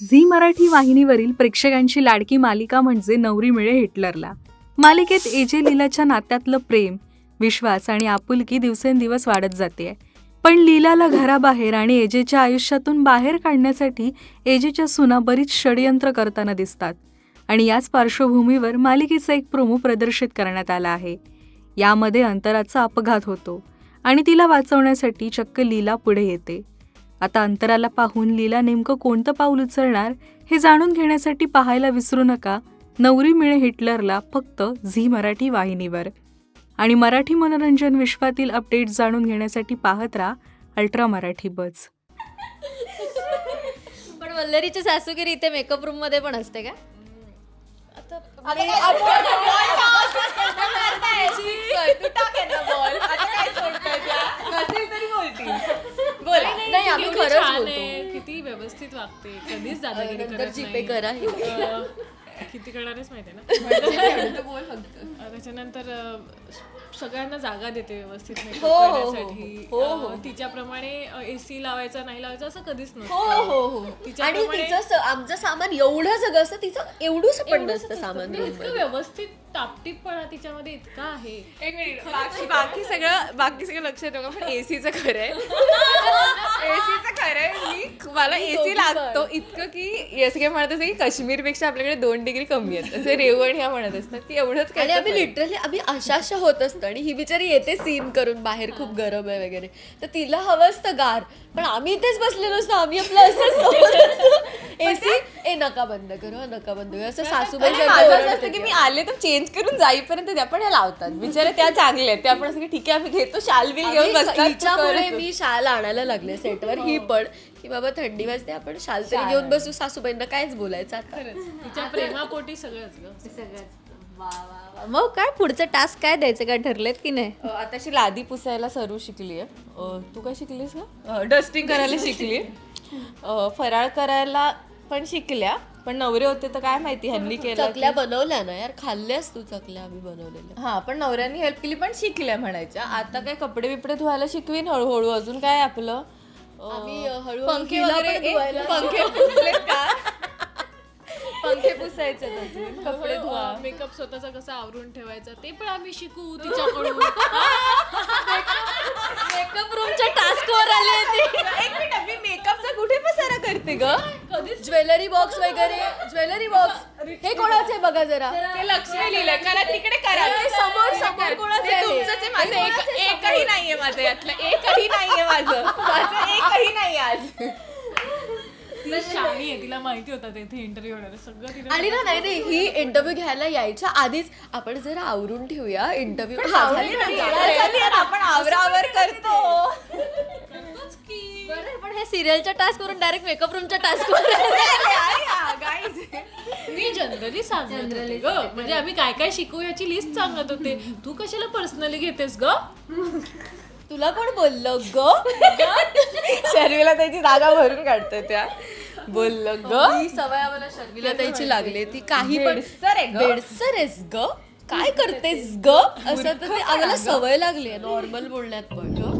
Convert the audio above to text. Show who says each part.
Speaker 1: Zee Marathi वाहिनीवरील प्रेक्षकांची लाडकी मालिका म्हणजे नवरी मिळे हिटलरला. मालिकेत एजे लीलाच्या नात्यातलं प्रेम, विश्वास आणि आपुलकी दिवसेंदिवस वाढत जाते. पण लीलाला घराबाहेर आणि एजेच्या आयुष्यातून बाहेर काढण्यासाठी एजेच्या सुना बरीच षडयंत्र करताना दिसतात. आणि याच पार्श्वभूमीवर मालिकेचा एक प्रोमो प्रदर्शित करण्यात आला आहे. यामध्ये अंतराचा अपघात होतो आणि तिला वाचवण्यासाठी चक्क लीला पुढे येते. आता अंतराला पाहून लीला नेमकं कोणतं पाऊल उचलणार हे जाणून घेण्यासाठी पाहायला विसरू नका नवरी मिळे हिटलरला, फक्त झी मराठी वाहिनीवर. आणि मराठी मनोरंजन विश्वातील अपडेट जाणून घेण्यासाठी पाहत राहा अल्ट्रा मराठी बज.
Speaker 2: पण वल्लरीची सासूगिरी इथे मेकअप रूम मध्ये पण असते का? नाही, आम्ही खरंच बोलतो.
Speaker 3: किती व्यवस्थित वागते, कधीच दादागिरी
Speaker 2: नंतर
Speaker 3: करत
Speaker 2: जीपे
Speaker 3: नाही.
Speaker 2: करा.
Speaker 3: किती करणारच माहिती आहे ना. त्याच्यानंतर सगळ्यांना जागा देते व्यवस्थित makeup करण्यासाठी. तिच्याप्रमाणे एसी लावायचा नाही लावायचा असं कधीच नसतं.
Speaker 2: आणि तिचं आमचं सामान एवढं सगळं असतं, तिचं एवढंच पण नसतं सामान.
Speaker 3: इतकं व्यवस्थित टापटीपणा तिच्यामध्ये इतका आहे.
Speaker 4: एक मिनिट, बाकी सगळं लक्षात ठेवा, पण एसीचं खरं आहे. एसीचं खरं आहे. मला एसी लागतो इतकं की असं काय म्हणत असं की काश्मीरपेक्षा आपल्याकडे 2 डिग्री कमी आहेत असं रेवण ह्या म्हणत असतात की एवढंच काय.
Speaker 2: आणि आम्ही लिटरली अशा होत असतो. आणि ही बिचारी येते सीन करून बाहेर खूप गरम आहे वगैरे, तर तिला हवं असतं गार, पण आम्ही इथेच बसलेलो असतो. आम्ही आपलं असं एसी नका बंद करू, नका बंद करू असं सासूबाई
Speaker 4: असतं की मी आले तर चेंज करून जाईपर्यंत त्या पण ह्या लावतात बिचारे. त्या चांगल्या आहेत, त्या आपण असं की ठीक आहे आम्ही घेतो, शाल बिल घेऊन बसतात.
Speaker 2: हिच्यामुळे मी शाल आणायला लागले सेटवर. ही पण की बाबा थंडी वाजते, आपण शाल तरी घेऊन बसू. सासूबाईंना कायच बोलायचं आता.
Speaker 3: तिच्या प्रेमापोटी सगळंच.
Speaker 2: मग काय पुढचं टास्क काय द्यायचं, काय ठरलेत की नाही?
Speaker 4: आताशी लादी पुसायला सरू शिकली आहे. तू काय शिकलीस का? डस्टिंग करायला शिकली. फराळ करायला पण शिकल्या, पण नवरे होते तर काय माहिती ह्यांनी केलं.
Speaker 2: चकल्या बनवल्या ना यार, खाल्ल्यास तू चकल्या आम्ही बनवलेल्या.
Speaker 4: हा, पण नवऱ्यांनी हेल्प केली, पण शिकल्या म्हणायच्या. आता काय कपडे बिपडे धुवायला शिकवीन हळूहळू. अजून काय आपलं
Speaker 2: आम्ही हळूहळू
Speaker 4: पंखे
Speaker 2: हिला पण
Speaker 4: वगैरे
Speaker 2: धुवायला
Speaker 4: पंखे पुसलेत का? पंखे पुसायचे अजून, कपडे धुवा.
Speaker 3: मेकअप स्वतःचा कसा आवरून ठेवायचा ते पण आम्ही शिकू तिच्याकडून.
Speaker 2: मेकअप रूमच्या टास्क वर आले ते.
Speaker 4: एक मिनिट, मी मेकअपचा कुठे पसारा करते ग?
Speaker 2: ज्वेलरी बॉक्स वगैरे, ज्वेलरी बॉक्स हे कोणाचे आहे बघा जरा.
Speaker 4: ते लक्ष नाही लिहिलं, करा तिकडे करा.
Speaker 2: ते समोर कोणाचं आहे?
Speaker 4: तुमचंच आहे, माझं एकही नाहीये. माझं यातलं एकही नाहीये. माझं एकही नाही आज.
Speaker 3: ती शाणी आहे, तिला माहिती होतं तेथे इंटरव्ह्यू होणार सगळं तिने.
Speaker 2: आणि ना नाही ही इंटरव्ह्यू घ्यायला यायच्या आधीच आपण जरा आवरून ठेवूया इंटरव्ह्यू.
Speaker 4: आपण आवरावर करतो.
Speaker 2: पण हे सिरियलच्या टास्क वरून डायरेक्ट मेकअप रूमच्या टास्क वर.
Speaker 3: मी जनरली सांगत होते ग, म्हणजे आम्ही काय काय शिकू याची लिस्ट सांगत होते. तू कशाला पर्सनली घेतेस ग?
Speaker 2: तुला कोण बोललं ग?
Speaker 4: शर्विला त्याची जागा भरून काढतो त्या. बोललं ग,
Speaker 2: ही सवय आम्हाला शर्मिला ताईची लागली. ती काही पण बेडसर आहेस ग, काय करतेस ग असं, तर ते आम्हाला सवय लागली आहे नॉर्मल बोलण्यात पण.